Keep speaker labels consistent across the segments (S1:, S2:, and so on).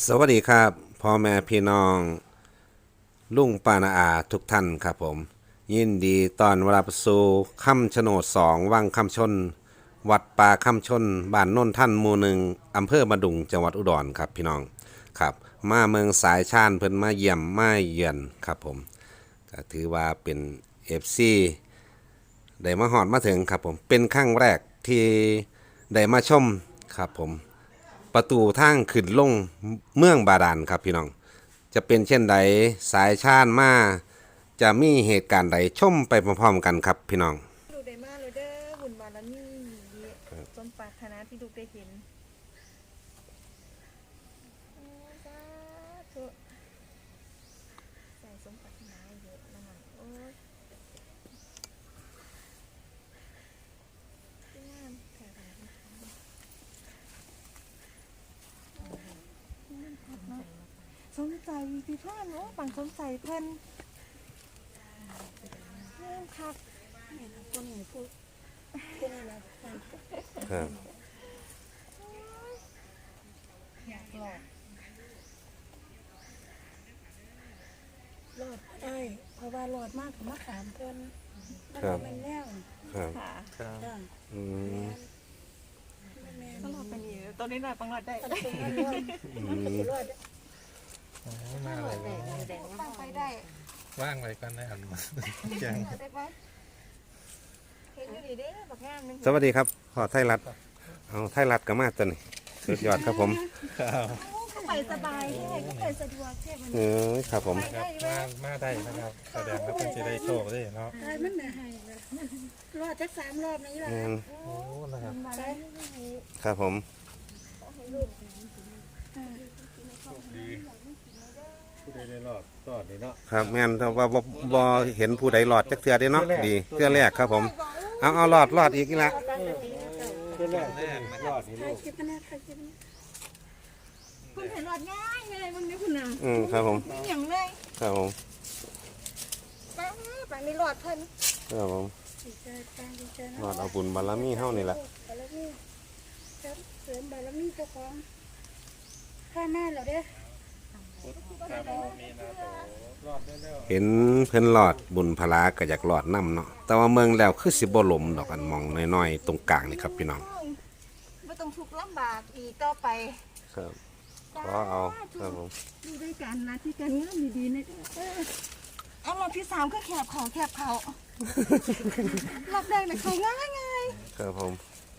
S1: สวัสดีครับพ่อแม่พี่น้องลุงป้านาอาทุกท่านครับผมยินดีตอนรับสู่คำชะโนด2วังคำชนวัดป่าคำชนบ้านโน่นท่านหมู่หนึ่งอำเภอบ้านดุงจังหวัดอุดรครับพี่น้องครับมาเมืองสายชานเพิ่นมาเยี่ยมมาเยือนครับผมก็ถือว่าเป็น FC ได้มาหอดมาถึงครับผมเป็นครั้งแรกที่ได้มาชมครับผมประตูทางขึ้นลงเมืองบาดาลครับพี่น้องจะเป็นเช่นใดสายชาญมาจะมีเหตุการณ์ใดชมไปพร้อมๆกันครับพี่น้อง
S2: ดูได้มากเลยเด้อบุญบารมีสมปรารถนาที่ลูกได้เห็นสาธุใส่สมปรารถนาเยอะนะมันโอ้ยงามแค่ไหนสมใจพี่พ่อนโอ้ปังสมใจเพิ่นงามคักคนไหนพูดคนไหนนะครับ อยากหลอดได้เพราะว่าหลอดมากถึงมะขามเพิ่นแล้วก็เป็นแนว
S1: ครับ
S2: ค่ะ
S3: ครับ
S1: อืม
S2: ต้องหลอดเป็นอยู่ตัวนี้หน่อยปังหลอดได้
S3: โอ้มาเลย
S2: ตั้งไปได้
S3: ว่างเลยกันได้อันมาแจ้ง
S2: ได้ปะเห็นอยู่ดีเด้บักงามนึง
S1: สวัสดีครับพ่อไทยรัฐเอาไทยรัฐก็มาตัวนี้สุดยอดครับผม
S3: ครับ
S2: เข้าไปสบายแค่ก็ไปสะดวกแค่มัน
S1: ครับผม
S3: มาได้นะครับแสดงว่าเพิ่นจะได้โชคได้เนาะ
S4: ได้มันน่ะให้เลยรอดจัก3 รอบนี่ล่ะ
S3: โอ้นะครับ
S2: มาได้
S1: ครับผม
S3: ดีผู้ใดได้รอดรอดนี่เนาะ
S1: ครับแม่นแต่ว่าบ่เห็นผู้ใดรอดจักเทื่อเด้เนาะดีเทื่อแรกครับผมเอารอดอีกนี่ละ
S3: เป็นแรกรอดนี่
S4: ใคร
S3: ลูก
S4: คิดมาแน่ใครคิดมาแน่
S2: คุณเห็นหลอดง่ายเลยมึงนี่คุณน่ะ
S1: ครับผม
S2: ไม่อย่างเลย
S1: ครับผม
S2: ปังนี่หลอดเพิ่น
S1: ครับผม
S4: ดีใจปังดีใจนะ
S1: รอดเอาบุญบารมีเฮานี่ละ
S4: บารมีเสริมบารมีเจ้าของข้าแม่แล้วเด้อ
S3: มีนาโตรอดได้แล้ว
S1: เห็นเพิ่นรอดบุญพลาก็อยากรอดนํเนาะแต่ว่าเมืองแล้วคือสิบ่หลมดอกอันมองน้อยๆตรงกลางนี่ครับพี่น้อง
S2: ไม่ต้องทุกข์ลำบากอีกต่อไป
S1: ครับขอเอาครับผม
S2: ดูด้วยกันนะที่การเงินดีๆนะเอารอบที่3ก็แคบเขารอบแรกเนี่ยเขาง่าย
S1: ครับผม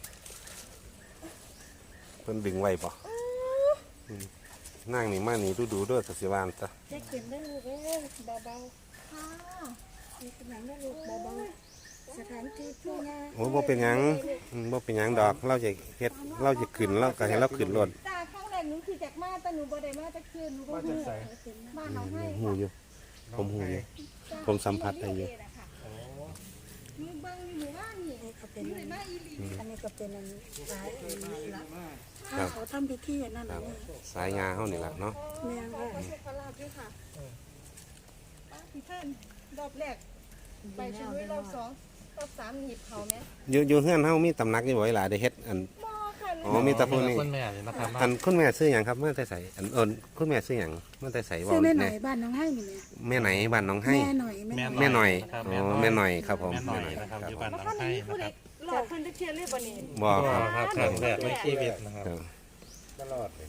S1: เพิ่นดึงไว้ปะนั่งนี่มานี่ดูด้วยสักสิวานจ้ะ
S4: เด็กเก็บได้ลูกเอ้ยเบา
S2: ๆค่ะ
S4: ๆมีขนาดได้ลูกเบาๆสถานที่ผู้งาน
S1: โอ้บ่เป็นหยังบ่เป็นหยังดอกเราจะเฮ็ดเราจะขึ้นเราก็ให้เราขึ้นรถ
S2: จ้าข้างแรกหนูคือจากมาแต่หนูบ่ได้มาจากคืนหนูบ่ฮู้บ้านเราให้
S1: หูอยู่ผมหูอยู่ ผมสัมผัสได้อยู่
S2: หนูเบิ่งอยู่หมู่บ้านนี่
S4: เขาเป็น
S2: หนูได้มาอีหลี
S4: อันนี้ก็เป็นอันสายอันนี้ละ
S1: ครับ
S4: เขาทำพิธีอันนั้น
S1: ค
S4: อั
S1: รับ
S4: นนี้
S1: สายงาเฮานี่ล่ะเนาะ
S4: แม่ว่า
S2: ขอโชคขอลาภด้วยค่ะพี่ท่านรอบแรกไปช่วยรอบ2รอบ3หนีบเขาไหม
S1: อยู่เฮือนเฮามีตำหนักอยู่บ่หลายได้เฮ็ดอัน
S2: บ่ค่ะ
S1: อ๋อมีแต่ผู้นี้
S3: คุณแม่นี่นะครับ
S1: อันคุณแม่ซื้อหยังครับเมื่อแต่ใส่อันคุณแม่ซื้อหยังเมื่อแต่ใส่
S4: ซื้อแม่หน่
S1: แน่
S4: อยบ้านน้องให้นี่แม่
S1: แม่ไหนบ้านน้องให้
S4: แม่หน่อยแม่
S1: แม่หน่อย
S3: นะครับ
S1: อ๋อแม่หน่อยครับผม
S3: แม่หน่อย
S1: แม่หน่อย
S3: นะครับ
S1: ครับ
S3: อยู่บ้าน
S2: แล้ว
S3: น้อง
S2: ก็
S3: ให้
S2: นี่ผู้
S3: นะ
S2: ใด
S3: ครับ
S2: หลอดเพิ่นจะเทียนเลยบ่นี่
S1: บ่
S3: ก็
S1: ครับ
S3: ครับครั้งแรกในชีวิตนะครับ
S1: ครับ
S3: ก็รอดเลย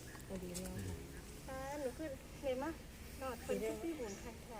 S2: หนูคือเห็นมั้ยหลอดเพิ่นจะที่บุญค่ะค่ะ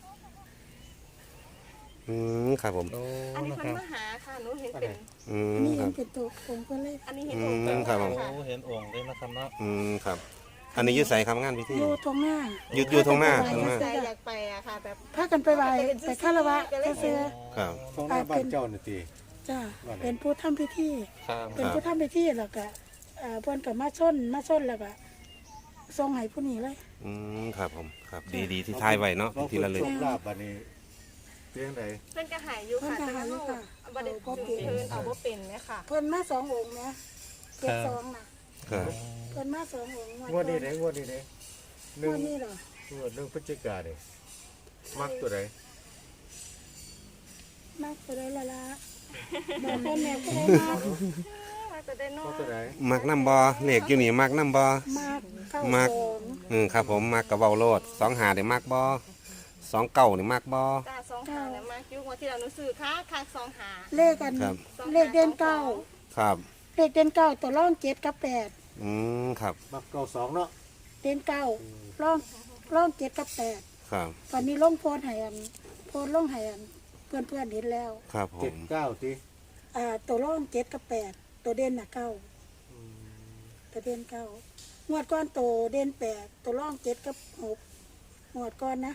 S1: ครับผม
S3: โอ้
S2: อันนี้
S3: นะ
S2: เพิ่
S3: คน รับ
S2: มาหาค่ะหนูเห็นเป็น
S4: นี่
S1: ค
S4: เห็
S1: รั
S4: น
S1: บ
S4: เป็นตัวองค์ก็เลย
S2: อันนี้เห็น
S1: ครับผม
S2: ค่ะ
S3: โอ้เห็นองค์เลยนะครับเนาะ
S1: ครับ อันนี้อยืดใส่ครับงานพิธี
S4: อยู่ตรงหน้า
S1: อยู่ตรงหน้าตรงหน้า
S2: ใจอยากไปอะค่ะแบบ
S4: พากันไปไหว้ไปคารวะเสื้อ
S1: ครับ
S3: ตรงหน้าบ้านเจ้าหน้าที่
S4: จ้าเป็นผู้ทำพิธี
S3: ครับ
S4: เป็นผู้ทำพิธีแล้วก็เพิ่นก็มาชนแล้วก็ส่งให้ผู้นี้เลย
S1: ครับผมครับดีที่ทายไว้เนาะพิธีละลึก
S3: ลาบบัดนี้เพียงใด
S2: เพิ่นก็หายอยู่ค่ะแต่ว่าเราบ่ได้ถึงเพิ่นเอาบ่เป็นไหมค่ะ
S4: เพิ่นมา2 องค์นะ72น่ะ
S1: ครับ
S4: เพิ่นมา2 องค์
S3: งวดนี้ไหนงวดนี้ไหนห
S4: ง
S3: นึ่ง
S4: วดนี้เหรอง
S3: วด1 พฤศจิกายนนี่มักตัวไหน
S4: มากตัวใดละละบอกเพิ่นแม่ก็ได้มาก
S2: มาแต่ได้นอ
S3: มัก
S2: น
S3: ตัวไหน
S1: มักน้ำบ่เลขอยู่นี่มักน้ำบ่
S4: มากเก้า
S1: มัก
S4: สอง
S1: ครับผมมักกะเว้าโลด2 หาได้มักบ่2 เก้านี่มักบ่
S2: จ้าสองหาเนี่ยมาจุกว่าที่เราหนูซื้อค่าสองหา
S4: เลขกัน
S1: ครับ
S4: เลขเด่นเก้า
S1: ครับ
S4: เลขเด่นเก้าตัวร่องเจ็ดกับแปด
S1: ครับ
S3: มักเก้าสองเนาะ
S4: เด่นเก้าร่องเจ็ดกับแปด
S1: ครับ
S4: วันนี้ล่องโพนไหอันโพนล่องไหอันเพื่อนเห็นแล้ว
S1: ครับผ
S3: เจ็ด
S1: ม
S3: เก้าที
S4: ตัวร่องเจ็ดกับแปดตัวเด่นน่ะเก้าตัวเด่นเก้างวดก้อนตัวเด่นแปดตัวร่องเจ็ดกับหกงวดก้อนนะ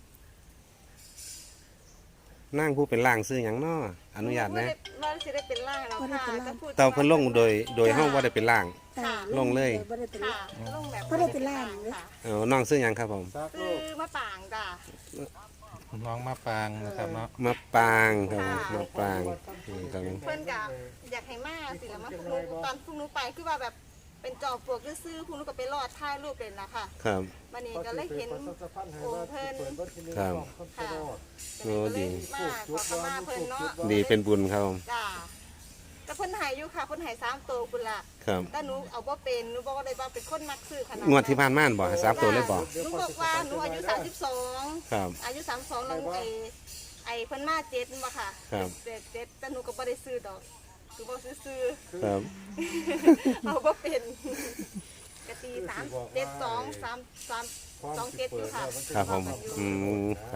S1: นั่งผู้เป็นล่างซื้อหยังน้ออนุญาตนะ
S2: ว่าสิได้เป็นล่างแล้วค่ะก็พูด
S1: เตาเพิ่นลงโดยเฮาบ่ได้เป็นล่าง
S4: จ้า
S1: ลงเลย
S4: บ่ได้เป็น
S2: ค่ะ
S4: ล่าง
S2: ลงแบบ
S4: บ่ได้เป็นล่างเลย
S2: ค่ะ
S1: น้องซื้อหยังครับผม
S3: ซัก
S2: ซื้
S3: ลู
S2: อก มะปางจ้า
S5: น้องมาปางนะครับเนาะ
S1: มะปางครับผมมะปางครับผม
S2: เพิ่นกะอยากให้มาสิแล้วมาพวกหนูตอนพวกหนูไปคือว่าแบบเป็นจอบปลวกซื่อๆพวกหนูก็ไปรอดถ่ายรูปเลยนะคะ
S1: ครับ
S2: วันนี้ก็เลยเห็นองค์เพิ่น
S1: ครับ
S2: ค่ะ
S1: โอ้ดี
S2: มาขอขมาเพิ่นเนาะ
S1: ดีเป็นบุญครับผม
S2: จ้าแต่เพิ่นใหายอยู่ค่ะเพิ่นใหาย3ตัวคุณล่ะ
S1: ครับ
S2: แต่หนูเอาบ่เป็นหนูบอกว่าได้ว่าเป็นคนมักซื้อขนาด
S1: งวดที่ผ่านมาบ่ให้3ตัวเลยบ่
S2: หนูบอกว่าหนูอายุ32
S1: ครับ
S2: อายุ32แล้วไอ้เพิ่นมา7บ่ค่ะ
S1: ครับ
S2: เจ็ดแต่หนูก็บ่ได้ซื้อดอกหนูบ่ซื้อ
S1: ครับ
S2: ๆเอาบ่เป็นกะตี3 7 2 3 3 2 7อยู่ค่ะ
S1: ครับผมครับ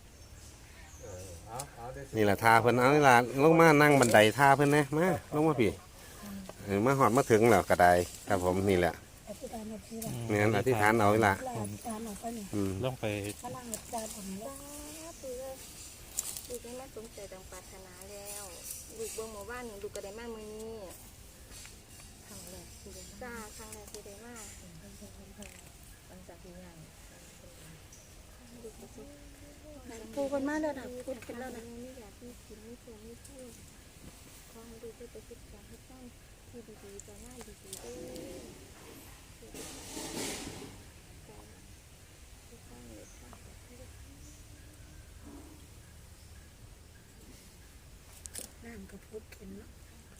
S3: เอาได้สิ
S1: นี่แหละท่าเพิ่นเอานี่ล่ะลงมานั่งบันไดท่าเพิ่นนะมาลงมาพี่มาหอดมาถึงแล้วก็ได้ครับผมนี่แหละ
S4: อธิษฐานเอาทีละ
S1: นี่นอธิษฐานเอานี่ล่ะ
S4: ลาอธิษฐานออกไปนี่
S5: ลงไป
S4: พลังอธิษฐานออกมา
S2: ลูกได้มาสมใจดังปรารถนาแล้วลูกเบิ่งหมู่บ้านลูกก็ได้มามื้อนี้ครั้งแรกที่ได้มาจ้าครั้งแรกที่ได้มาหลังจากที่งาน
S4: ปูกันมาแล้วนะพูดกันแล้วนะ
S2: ไม่อยากมีกินไม่เชื่อไม่พูดขอให้ดูไปศึกษาให้ต้องที่ดีๆจะง่ายดีๆ
S4: น้ำก็พูดกันเนาะ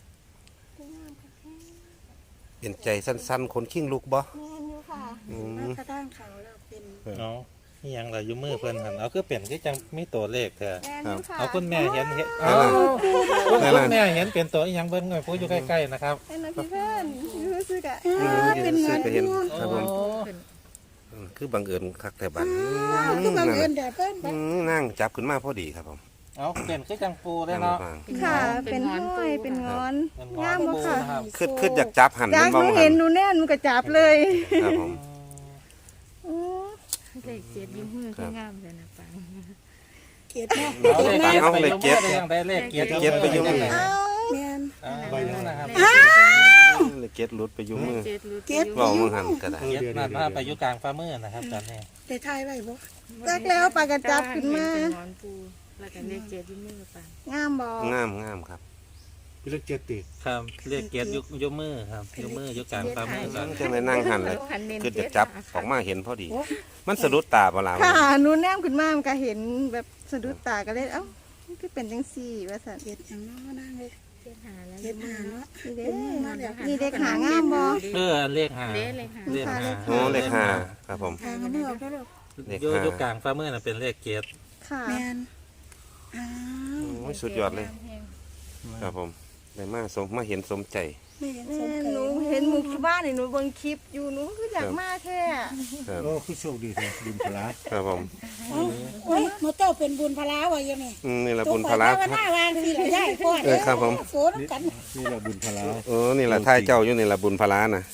S1: เป็นใจสั้นๆคนขิ้งลูกบ่
S2: แม่นอยู่ค่ะ
S4: มากระด้างเขาแล้วเป็น
S5: เอานี่ยังล่ะอยู่มือเพิ่นหันเอาคือเป็นคือจังมีตัวเลขเถอะ
S2: แม่นอยู่ค่ะ
S5: เอาคุณแม่เห็นเอา
S1: นั่นล่ะ
S5: คุณแม่เห็นเป็นตัวอีหยังเบิ่งหน่อยผู้อยู่ใกล้ๆนะครับ
S2: แม่นนะพี่เพื่อนรู้สึกอ่ะ
S4: เป็นเงิน
S1: ก็เห็น
S4: พูด
S1: ครับผมคือบังเอิญคักแต่บัด
S4: คือบังเอิญเดี๋ยวเพิ่น
S1: นั่งจับขึ้นมาพอดีครับผม
S5: เอาเป็นคือจังปูเลยเนาะ
S2: ค่ะ เป็นห้อยเป็นงอน
S5: เป็น
S2: งามบ่
S5: ปู
S2: ค่ะ
S5: นะครับ
S1: คืออยากจับหัน
S2: จากห
S1: บ่
S2: นู
S1: หั
S2: เห็
S1: น
S2: นหนูแน่นหนูก็จับเลย
S1: ครับผม
S2: อ๋อ
S6: เลขเจ็ดยิ้มมือคืองามเลยนะปัง
S4: เกียรติเนาะ
S5: เอาเลขเกียรติไปยังได้เลขเกียรติ
S1: เกียรติไปอยู่มือ
S2: เอา
S4: แม่น
S5: ใบนึงนะครับ
S1: เลยเก็ตหลุดไปอยู่มือ
S6: เจ็ดรู้
S4: เกียรติ
S1: เว้ามึงหันก็ได้
S5: เกียรตินั่นมาไปอยู่กลางฝ่ามือนะครับตอนนี้
S4: ได้ทายไว้บ่
S2: จักแล้วปากกระจับขึ้นมา
S6: เป็นงอนปูแล้วก็เลขเจ็ดยิ้มมือปัง
S2: งามบ่
S1: งามครับ
S3: พี่เล็กเจ็ดติ
S5: ครับเลขเกียรติยกมือครับยกมือยกกลางฝ่ามือก่อน
S1: จังไดนั่งหันเลยคือจะจับออกมาเห็นพอดี มันสะดุดตาบ่ล่ะ
S2: ค่ะหนูแนมขึ้นมามันก็เห็นแบบสะดุดตาก็เลยเอ้ามันคือเป็นจังซี่ว่าซั่น
S4: เกียรติอย่างเนาะนั่งเลย
S6: เจ็ดหาแล้ว
S4: เกียรติหาเนาะ
S2: นี่เด้
S4: มาแล้ว
S2: นี่เด็กหางามบ่
S5: เลขหา
S6: เด้เลขหา
S5: เลขหา
S1: โอ้เลขห้าครับผม
S4: ทางเอามือออกแล้วลูก
S1: เลข
S5: ย
S1: ห้า
S5: กกลางฝ่ามือน่ะเป็นเลขเกียรติ
S2: ค่ะ
S4: แม่นอ้าว
S1: โอ้ยสุดยอดเลย ครับผมได้มาเห็นสมใจ
S4: ไม่เห็นส
S2: แม่
S4: มเค
S2: หนู
S4: ย
S2: เห็นหมู่ที่บ้านนี่หนูเบิ่งคลิปอยู่หนูคืออยากมาแท้
S1: ครับ
S3: โอ้คือโชคดีแท้บุญพลา
S1: ครับผม
S4: โอ้ยมาเจ้าเป็นบุญพลาวะยังไง
S1: นี่ละบุญพลา
S4: ว่าหน้าวางสิละย่ายพ่อ
S1: ครับผม
S4: โสนกัน
S3: นี่แหละบุญพลา
S1: โอ้นี่ละท่ายเจ้าอยู่นี่ละบุญพลาน่ะ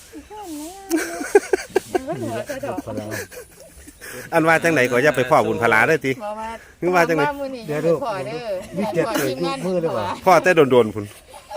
S3: พลา
S1: อันว่าจังไหนก็อย่าไปพ่อบุญพลาเด้อติ
S6: บอกว่า
S1: คือว่าจังไหน
S6: มื้อนี้
S3: เดี๋ยว
S6: ให้
S3: ดู
S6: พ่อเด้อ
S3: นี่เจ็ดเกิดยุคมือเลยว่ะ
S1: พ่อแต่โดนๆพุ่น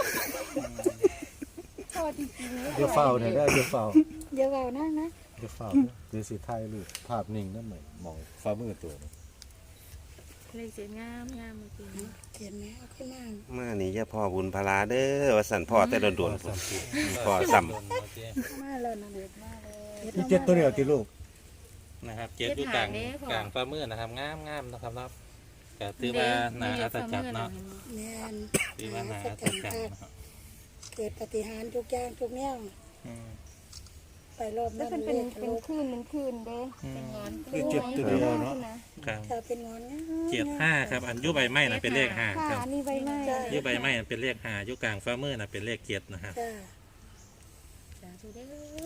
S3: เดี๋ยวเฝ้าเนี่ยได้เดี๋ยวเฝ้า
S4: เดี๋ยวเอานั่งนะ
S3: เดี๋ยวเฝ้าเดี๋ยวสิถ่ายรูปภาพนิ่งนั่นหน่อยมองฟ้ามือตัวนี้
S6: เลขเจ็ดงามเมื่อกี้นี้
S4: เห็นไหมเอาขึ้นนั่ง
S1: มานี่อย่าพ่อบุญพลาเด้อว่าสั่นพ่อแต่โดนๆพุ่นพ่อซ้ำ
S4: มาแล้วนะเด็ดมาเลย
S3: นี่เจ็ดตัวเดียวที่ลูก
S5: นะครับเกียรติอยู่กลางฝ่ามือนะครับงามนะครับเนาะก็ถือว่าน่าอัศจรรย์เนาะ
S4: แม่น
S5: ถือว่าน่าอัศจรรย์นะครับ
S4: เกิดปฏิหารย์ทุกอย่างทุกแนว
S5: อืม
S4: ไปรอบ
S2: แล้
S4: นั้
S2: วน เป็นคืนเด้
S6: เป็นงอน
S3: คือเจ็ดตัวเดียวเนาะ
S5: ครับ
S4: จะเป็นงอน
S5: 75ครับอันยุใบไม้น่ะเป็นเลข5ค
S2: ค่ะ
S5: รับ
S2: นี่ใบไม้
S5: ยุใบไม้น่ะเป็นเลข5ยุกลางฝ่ามือน่ะเป็นเลข7นะครับ
S4: จ้า
S6: สาธุเด้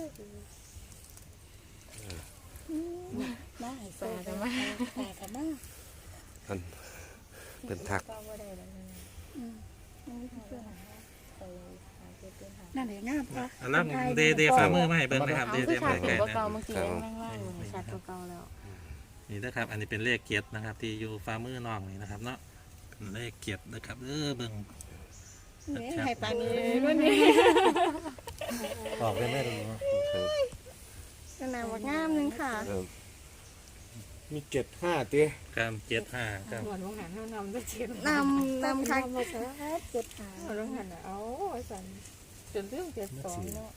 S6: อ
S4: มาให้
S6: ปลากันมา
S4: ปลากันมา
S1: มันเป็นทัก
S6: ก็บ่ได้แล้วนะ
S4: อืม
S6: ไปหาเจ็ดเป็นหา
S4: นั่นแหละงามปะ
S5: อันนั้นเดฝ่ามือมาให้เบิ่งนะครับ
S6: เอา
S5: เด
S6: คือ
S5: มา
S6: ขาด
S5: ให้
S6: เป็น
S5: ไกล
S6: เก่า
S5: นะ
S6: เมื่อกี้ยังล่างๆอยู่ชัดกว่าเก่าแล้ว
S5: นี่นะครับ อันนี้เป็นเลขเกียรตินะครับ ที่อยู่ฝ่ามือน้องนี่นะครับเนาะเป็นเลขเกียรตินะครับเบิ่ง
S2: นี่ให้ปานนี้ก็นี่
S3: ออกได้ไหมล่ะเนาะ
S2: ขนาดว่างามนึงค่ะ
S1: ครับ
S3: มี75ติ
S5: ครับ75ครับ
S6: หมอนวงหันเขานำได้เจ็ด
S2: นำค่ะ
S4: มาซะเจ็ดหา
S6: หมอนวงหันเอาสันจนเรื่อง72เนาะ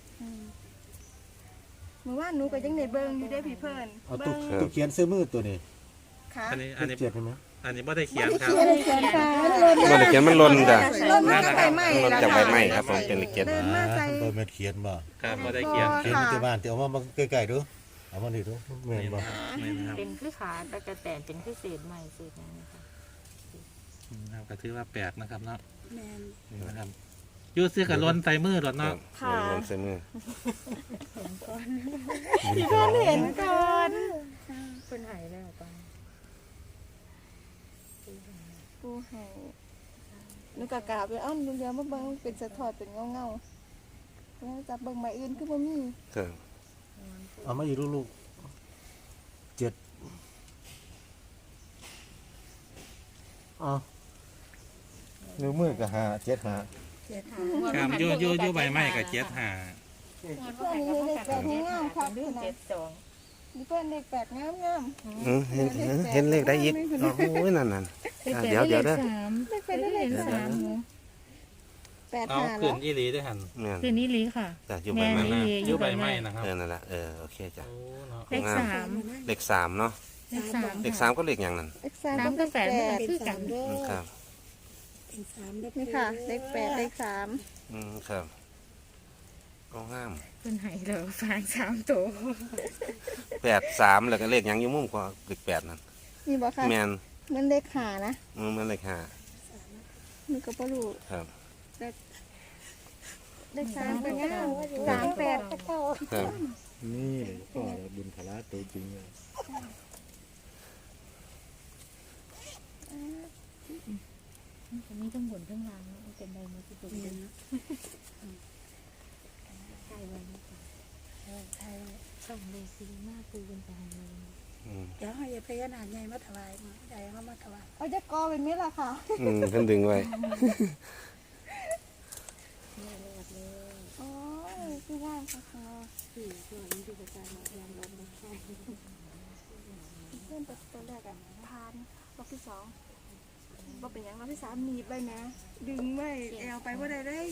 S2: เมื่อวานหนูก็ยังได้เบิ่งอยู่ได้พี่เพิ่น
S3: เอาตุกเขียนซื้อมือตัวนี้
S2: ค่ะ
S5: อันนี้
S3: เจ็ดใช่ไหม
S5: อันนี้ไม่ได้เขียนครับ
S2: เขียนเขียนค่ะ
S1: มันเขียนมันหล่นจ้ะ
S2: ลนมาจากใบไม้
S1: มันหล่น
S2: แล้ว
S1: จากใบ
S2: ค่ะ
S1: ไม้ครับผมเป็นเกียรติ
S2: เดินมาใส่
S3: เบอร์เม็ดเขียนบ่
S5: ครับไม่ได้เขียน
S3: เขียนที่บ้านเดี๋ยวเอามาใกล้ๆดูเอามานี่ดูแม่น
S5: นี่
S3: บ่
S5: นะครับนี่นะครับ
S6: เป็นคือขาตะกะแตนเป็นคือเศษใหม่เศษนั้นนะคะ
S5: นะครับก็ถือว่าแปลกนะครับเนาะ
S4: แมน
S5: นี่นะครับอยูซื้อกับล้นใส่มือหรอ
S1: ครั
S5: เนาะ
S1: บหล่นใส่มือ
S3: มีก่อน
S2: เห็นก่อน
S6: เป็นหายแล้วตอน
S2: ปูให้หนูกะกราบไปอ้อนเดี๋ยวมาเบิ่งเป็นสะท้อนเป็นเงาแล้วจับเบิ่งใบอื่นคือบ่มี
S1: ครับ
S3: เอามาอยู่ลูกๆ7เอานิ้วมือก็5 7 5
S4: เจ็ดหา
S5: ครับอยูใบไม้กับเจ็ดหา
S2: เพื่อนนี่เลขแปดงามครับ
S6: เรื่อง
S2: นะ
S6: 72
S2: นี่เพื่อนเลขแปดงาม
S1: เห็นเลขได้อีกโอ้ยนั่นเดี๋ยวเด้อ
S2: เลขแปดได้เลขสามแปด
S5: เอา
S2: หา
S5: ขึ้
S2: แล้
S5: น
S2: ว
S5: อีหลีด้วยหัน
S1: เนี่ย
S6: คืนนี้ลีค่ะ
S1: จ้ะอยู่ใบไม้
S6: แม่
S1: นะ
S6: นี่
S5: อยูใบไม้นะครับ
S1: นั่นแหละโอเคจ้ะ
S5: โอ้เนาะ
S6: เลขสาม
S1: เลขสามเนาะ
S6: เลขสาม
S1: เลขสามก็เลขอย่างนั้น
S2: เลขสาม
S6: สามกับแปด
S4: เป็น
S6: คือกั
S4: สาน มเด้อ
S1: ครับ
S4: เป็นสามเด้อ
S2: นี่ค่ะ เลขแปดเลขสาม
S1: ครับก็งาม
S6: เป็นหายแล้วฟาง3ตัว
S1: 83แล้วก็เลขหยังอยู่มุมกว่าเลข8นั่น
S2: นี่บอกค่ะ
S1: แม่น
S2: มันเลขหานะ
S1: มันเลข
S2: นี่ก็บ่รู้
S1: 5ครับ
S2: เลขสามก็งาม38ก็เก้า
S1: ครับ
S3: นี่พ่อบุญพละตัวจริงเลย
S6: มันมีทั้งบนทั้งล่างมันเป็นใบไม้ที่ปลูกเองใช่ไว้นะคะใช่ช่องเลขสีมากปูเป็นไปเลย
S4: เดี๋ยวให้พญานาคใหญ่มาถวายมาใหญ่มาถวาย
S2: เอาจะกอเป็นไหมล่ะค่ะ
S1: ท่านดึงไว้
S2: โอ้ยคืองามค่ะ
S6: สี่ส่วนนี้คือการยอมรับไม่ใช่
S2: เพื่อนตัวแรกอ่ะพานรอบที่สองบ่เป็นหยังรอบที่สามหนีบไปนะ ดึงไว้แอวไปบ่ได้เลย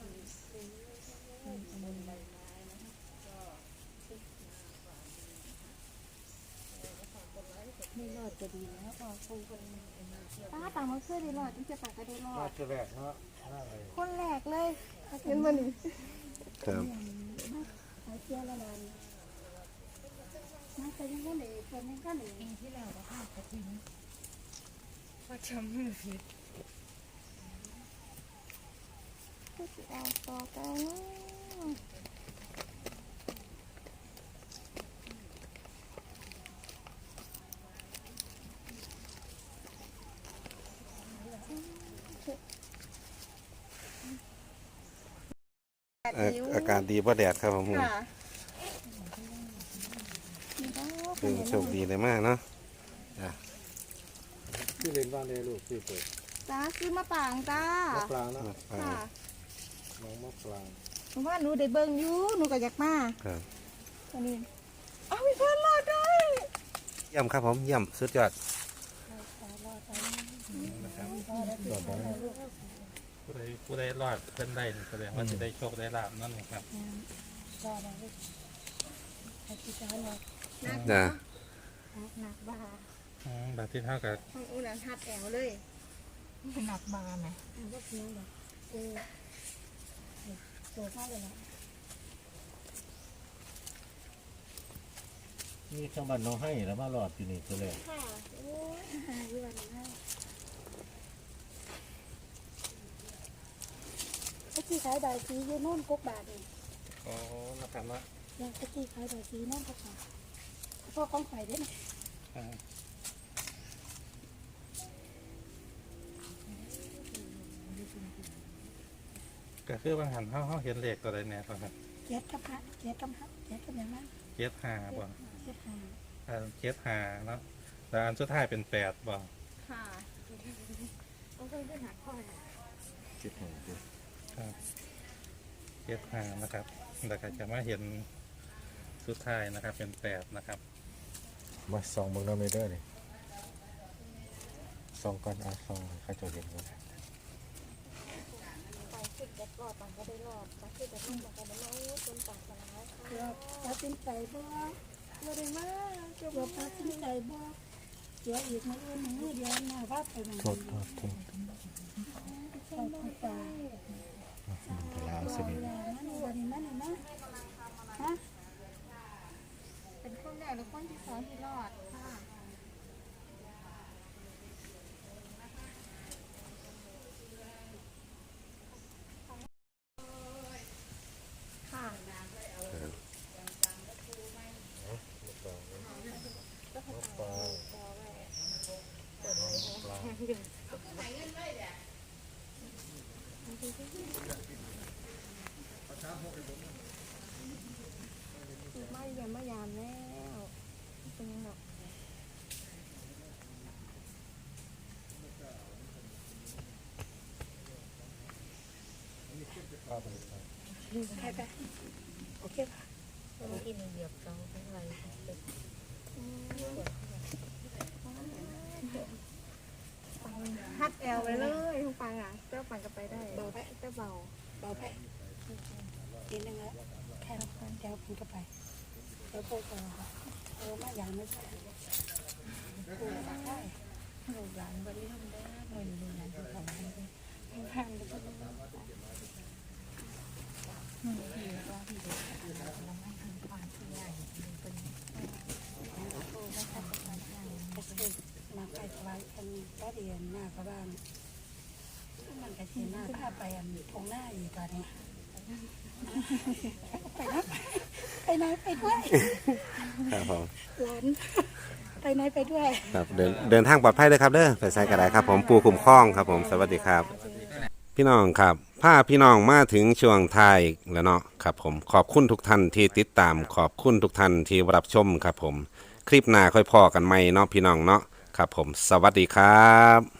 S6: ไม่รอดจะดีแล้วพอปูคน
S2: ตาต่างมาเพื่อได้รอดที่จะปากก็ได้รอ
S3: มา
S2: ด
S3: จะแรกเนาะน่าเลย
S2: คนแรกเลยเห็นบ่นี่
S1: ครับ
S4: หายเสียละลานมาแต่ยังก็เลยเป็นยังก็เลย
S6: ปีที่แล้วก็5กระถิ่นว่าจำมือผิด
S2: ก็สิเอาต่อกัน
S1: อากาศดีเพราะแดดครับผม
S2: ค่ะ
S1: คือโชคดีเลยมากเนาะ
S3: ที่เล่นบ้านเลยลูกที่เปิด
S2: จ้าซื้อมาป่างจ้าม
S3: ะปรางเนาะ
S2: ค่ะ
S3: น้องมะปราง
S2: หนูว่าหนูได้เบิ่งอยู่หนูก็อยากมา
S1: ครับ
S2: อันนี้เอามีเพื่อนรอดด้วย
S1: เยี่ยมครับผมเยี่ยมสุดยอด
S5: ผู้ใดรอดเพิ่นได้แสดงว่าจะได้โชคได้ลาบนั่นเองครับ
S1: จ้ะ
S6: หนักบา
S5: แบบที่เท่ากับ
S2: ห้องอูนันทัดแอวเลย
S6: หนักบาไหม
S4: ตัวข้าวเลยนะ
S3: นี่ข้างบ้านน้องให้แล้วมารอดอยู่นี่ตัวแรก
S2: ค่ะโอ้ย
S4: หาอยู่วันนั้นตะกี้ขายใบสีอยู่โน่นกกบาทนี่
S5: อ๋อนะครับเนาะ
S4: ยังตะกี้ขายใบสีโน่นกกบาทพ่อของข่อยได้ไหม
S5: อ่าก็คือบางหันเขาเห็นเลขตัวใดแน่ครับ
S4: เจ็ดกับพระเจ็ดกับพระเจ็ดกับอย่างนั้น
S5: เจ็ดห้าบ่
S4: เจ็ดหา
S5: เจ็ดห้าเนาะแล้วอันสุดท้ายเป็นแปดบ่
S2: ค่ะต้องเพิ่มขึ้นหาข้อนะ
S3: คิดหนึ่ง
S5: ครับเจ็ดห้านะครับแล้วก็จะมาเห็นสุดท้ายนะครับ เป็นแปดนะครับ
S3: มาส่องเบิ่งน้ำเลยเด้อนี่ส่องก่อนเอาส่องเขาจะเห็นกัน
S2: ไปขึ้นจะรอดปังก็ได้รอดไปขึ้นจะต้องปังก็ได้รอดจนปังชนะค่ะ
S4: เกือบตัดสินใจบ่
S2: บ่ได้มากเกือบ
S4: เกือบตัดสินใจบ่เสียอีกมื้ออื่นมื้อเดียวหน้าว่าไปมัน
S3: โทษ
S4: ต้องไป
S3: ลาวสนิท
S4: มันวันนี้มันนะฮะ
S2: เป็นคนแรกหรือคนที่สองที่รอดค่ะค่ะไม่ยามไม่ยามแล้วเป็นยังไง
S4: ไปไปโอเคป่ะ
S6: ที่มีเหยียบเสาทั้งไร
S2: ฮัดแอลไปเลยทุกปังอ่ะเจ้าปังก็ไปได้เบาเจ้าเบา
S4: เบาไปกินนึงแล้วแค่แถวคุณก็ไปเดี๋ยวโตมาอย่างไม่ใช่โอ้ได้
S6: หนูร้านบริทำได้หน่อยหนึ่งร้านที่ทำได้
S4: ทางไปก็ได้
S6: หนูที่ว่าที่เด็กเราไม่ทำความที่ใหญ่เป็นโอ้ไม่ทำความใหญ่
S4: ก็คือมาไปถวายอันก็เรียนหน้าพระบ้านมันก็เสียหน้าถ้าไปอันตรงหน้าอีกตอนนี้ไปนะไปไหนไปด้วย
S1: ครับผม
S4: หลานไปไหนไปด้วย
S1: ครับเดินทางปลอดภัยเลยครับเด้อไปใส่กระไดครับผมปูคุ้มครองครับผมสวัสดีครับ พี่น้องครับพาพี่น้องมาถึงช่วงท้ายแล้วเนาะครับผมขอบคุณทุกท่านที่ติดตามขอบคุณทุกท่านที่รับชมครับผมคลิปหน้าค่อยพอกันใหม่เนาะพี่น้องเนาะครับผมสวัสดีครับ